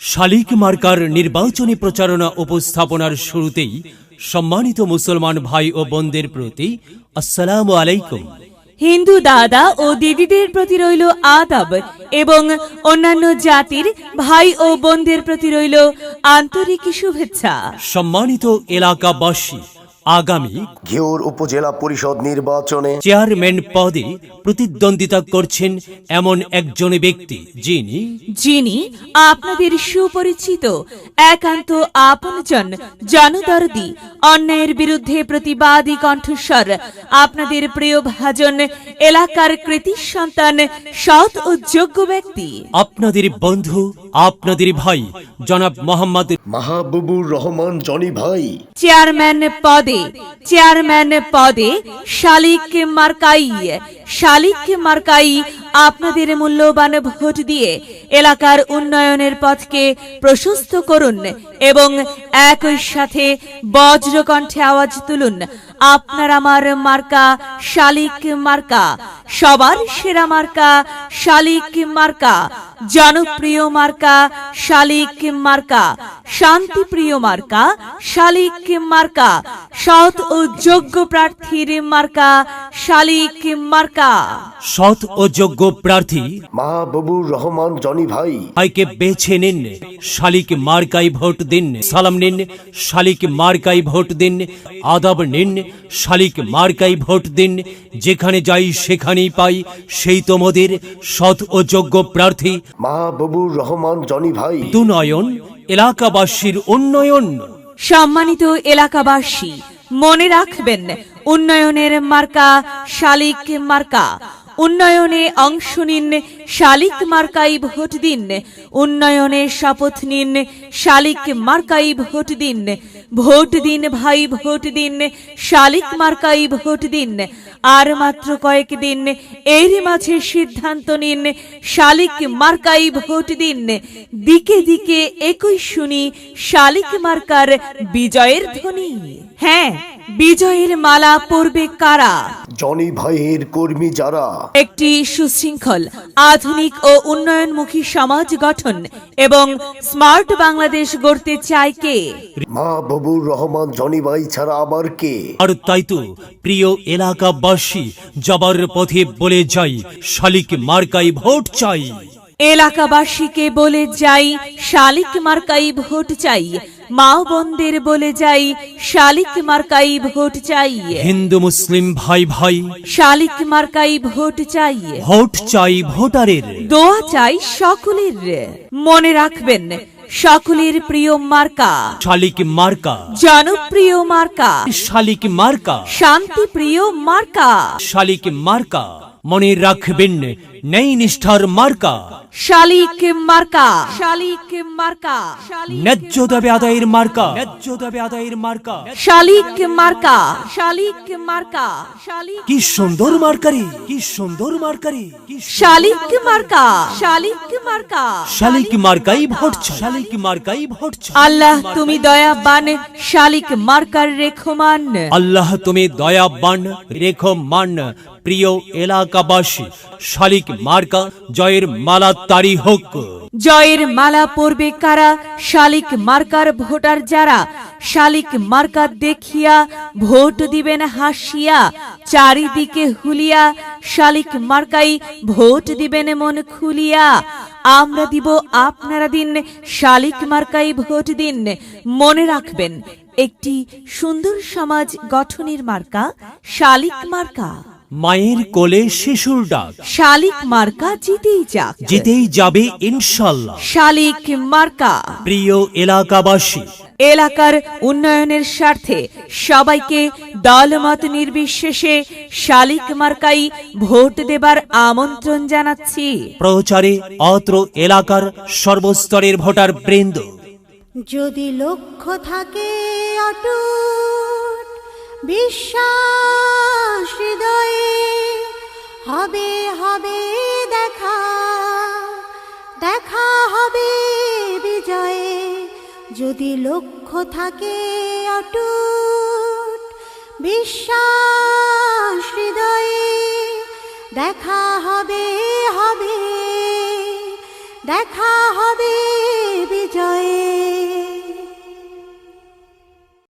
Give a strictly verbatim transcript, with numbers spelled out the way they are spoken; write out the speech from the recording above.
শালিক মার্কার নির্বাচনী প্রচারণা উপস্থাপনার শুরুতেই সম্মানিত মুসলমান ভাই ও বোনদের প্রতি আসসালামু আলাইকুম। হিন্দু দাদা ও দিদিদের প্রতি রইল আদাব এবং অন্যান্য জাতির ভাই ও বোনদের প্রতি রইল আন্তরিক শুভেচ্ছা। সম্মানিত এলাকাবাসী, আগামী ঘিওর উপজেলা পরিষদ নির্বাচনে চেয়ারম্যান পদে প্রতিদ্বন্দ্বিতা করছেন এমন একজন ব্যক্তি যিনি যিনি আপনাদের সুপরিচিত, একান্ত আপনজন, জনদরদি, অন্যায়ের বিরুদ্ধে প্রতিবাদী কণ্ঠস্বর, আপনাদের প্রিয় ভাজন, এলাকার কৃতি সন্তান, সৎ ও যোগ্য ব্যক্তি, আপনাদের বন্ধু, আপনাদের ভাই জনাব মোহাম্মদ মাহবুবুর রহমান জনি ভাই চেয়ারম্যান পদে চেয়ারম্যান পদে শালিক মার্কাই শালিক মার্কাই আপনাদের মূল্যবান ভোট দিয়ে এলাকার উন্নয়নের পথকে প্রশস্ত করুন এবং একই সাথে বজ্রকণ্ঠে আওয়াজ তুলুন, আপনার আমার মার্কা শালিক মার্কা, সবার সেরা মার্কা শালিক মার্কা, জনপ্রিয় মার্কা শালিক মার্কা, শান্তিপ্রিয় মার্কা শালিক মার্কা, সৎ ও যোগ্য প্রার্থীর মার্কা শালিক মার্কা। সৎ ও যোগ্য প্রার্থী মাহবুবুর রহমান জনি ভাই ভাইকে বেছে নিন, শালিক মার্কাই ভোট দিন। সালাম নিন, শালিক মার্কাই ভোট দিন। আদাব নিন, শালিক মার্কাই ভোট দিন। যেখানে যাই সেখানেই পাই সেই তোমাদের সৎ ও যোগ্য প্রার্থী মাহবুবুর রহমান জনি ভাই। দুনয়ন এলাকাবাসীর উন্নয়ন। সম্মানিত এলাকাবাসী, মনে রাখবেন, উন্নয়নের মার্কা শালিক মার্কা। উন্নয়নে অংশ নিন, শালিক মার্কাই ভোট দিন। উন্নয়নে শপথ নিন, শালিক মার্কাই ভোট দিন। ভোট দিন ভাই, ভোট দিন, শালিক মার্কাই ভোট দিন। আর মাত্র কয়েকদিন, এর মাঝে সিদ্ধান্ত নিন, শালিক মার্কাই ভোট দিন। দিকে দিকে একই শুনি শালিক মার্কার বিজয়ের ধ্বনি। হ্যাঁ, বিজয়ের মালা পরবে কারা? জনি ভাইয়ের কর্মী যারা একটি সুশৃঙ্খল, আধুনিক ও উন্নয়নমুখী সমাজ গঠন এবং স্মার্ট বাংলাদেশ গড়তে চায় কে? মাহবুবুর রহমান জনি ভাই ছাড়া আবার কে? আর তাই তো প্রিয় এলাকাবাসী, যাবার পথে বলে যাই, শালিক মার্কাই ভোট চাই। এলাকাবাসীকে বলে যাই, শালিক মার্কাই ভোট চাই। মা বোনদের বলে যাই, শালিক মার্কাই ভোট চাই। হিন্দু মুসলিম ভাই ভাই, শালিক মার্কাই ভোট চাই। ভোট চাই ভোটারের, দোয়া চাই সকলের। মনে রাখবেন, সকলের প্রিয় মার্কা শালিক মার্কা, জনপ্রিয় মার্কা শালিক মার্কা, শান্তিপ্রিয় মার্কা শালিক মার্কা। মনে রাখবেন, নেই নিষ্ঠার মার্কা শালিক মার্কা শালিক মার্কা ন্যায্য দাবি আদায়ের মার্কা, ন্যায্য দাবি আদায়ের মার্কা। শালিক মার্কা শালিক মার্কা শালিক কি সুন্দর মার্কারি, কি সুন্দর মার্কারি, কি সুন্দর শালিক মার্কা শালিক মার্কা শালিক মার্কাই ভোট চাই, শালিক মার্কাই ভোট চাই। আল্লাহ তুমি দয়াবান, শালিক মার্কার রেখমান। আল্লাহ তুমি দয়াবান, রেখো মান। প্রিয় এলাকাবাসী, শালিক মার্কা জয়ের মালা তারি হোক। জয়ের মালা পরবে কারা? শালিক মার্কার ভোটার যারা। শালিক মার্কা দেখিয়া ভোট দিবেন হাসিয়া, চারিদিকে হুলিয়া শালিক মার্কাই ভোট দিবেন মন খুলিয়া। আমরা দিব, আপনারা দিন, শালিক মার্কাই ভোট দিন। মনে রাখবেন, একটি সুন্দর সমাজ গঠনের মার্কা শালিক মার্কা। মায়ের কোলে শিশুর ডাক, শালিক মার্কা জিতেই যাক, জিতেই যাবে ইনশাল্লাহ। শালিক মার্কা। প্রিয় এলাকাবাসী, এলাকার উন্নয়নের স্বার্থে সবাইকে দলমত নির্বিশেষে শালিক মার্কাই ভোট দেবার আমন্ত্রণ জানাচ্ছি। প্রচারে অত্র এলাকার সর্বস্তরের ভোটার বৃন্দ। যদি লক্ষ্য থাকে অটুট, বিশ্বাস হৃদয়ে, হবে হবে দেখা, দেখা হবে বিজয়ে। যদি লক্ষ্য থাকে অটুট, বিশ্বাস হৃদয়ে, দেখা হবে হবে, দেখা হবে